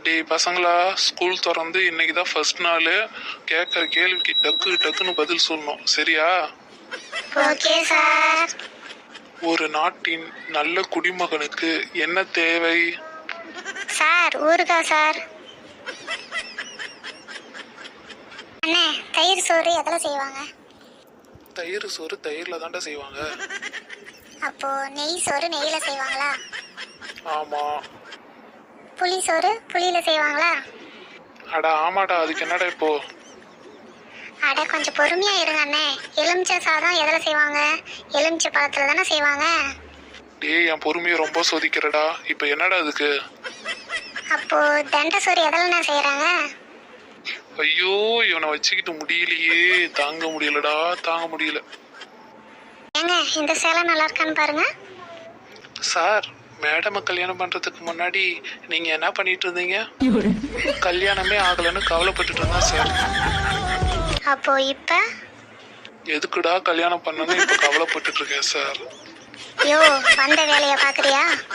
டேய் பசங்களா, ஸ்கூல் திறந்து இன்னைக்கு தான் ஃபர்ஸ்ட் நாள். கேட்குற கேள்விக்கு டக்குன்னு பதில் சொல்லணும், சரியா? Okay sir. ஒரு நாட்டின் நல்ல குடிமகனுக்கு என்ன தேவை? சார் ஊறுகாய் சார். அண்ணே, தயிர் சோறு எதில் செய்வாங்க? தயிர் சோறு தயிரில் தாண்டா செய்வாங்க. அப்போ நெய் சோறு நெய்யில் செய்வாங்களா? ஆமாம். புளி சோறு புளியில் செய்வாங்களா? அடா ஆமாடா, அதுக்கு என்னடா இப்போ? அட கொஞ்சம் பொறுமையாக இருங்க அண்ணே. எலுமிச்சை சாதம் எதில் செய்வாங்க? எலுமிச்சை பழத்தில் தானே செய்வாங்க. டேய் என் பொறுமையை ரொம்ப சோதிக்கிறடா. இப்போ என்னடா அதுக்கு? அப்போ தண்டை சோறு எதில்ண்ணே செய்கிறாங்க? ஐயோ, இவனை வச்சுக்கிட்டு முடியலையே, தாங்க முடியலடா, தாங்க முடியல. ஏங்க இந்த சேலை நல்லா இருக்கான்னு பாருங்க. சார், மேடமை கல்யாணம் பண்றதுக்கு முன்னாடி நீங்க என்ன பண்ணிட்டு இருந்தீங்க? கல்யாணமே ஆகலைன்னு கவலைப்பட்டுட்டு இருந்தேன் சார். அப்போ இப்ப எதுக்குடா கல்யாணம் பண்ணணும்னு இப்ப கவலைப்பட்டுட்டு இருக்கேன் சார். யோ, வந்த வேலையை பாக்குறியா?